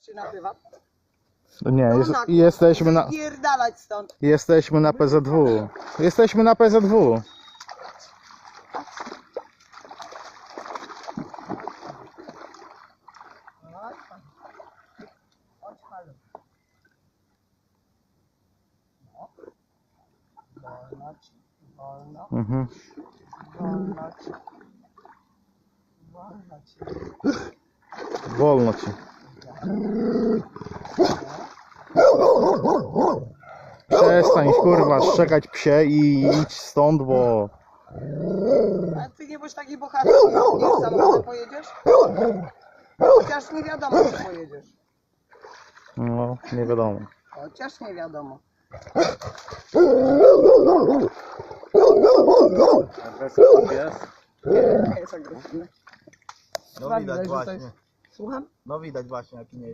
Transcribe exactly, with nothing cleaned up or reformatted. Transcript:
czy na prywat? Nie, No jest, na- jesteśmy na... Pierdalać stąd. Jesteśmy na P Z W. Jesteśmy na P Z W. Chodź, halo. No. Wolno ci, wolno, Mhm. wolno ci. Wolno ci. Wolno ci. Przestań kurwa szczekać psie i idź stąd, bo... Ale ty nie bądź taki bohater, nie samochodem pojedziesz? Chociaż nie wiadomo, czy pojedziesz. No, nie wiadomo. Chociaż nie wiadomo. Agresywny pies? Nie, nie jest agresywny. No Dwa widać widać, że to właśnie. jest- Słucham? No widać właśnie jaki nie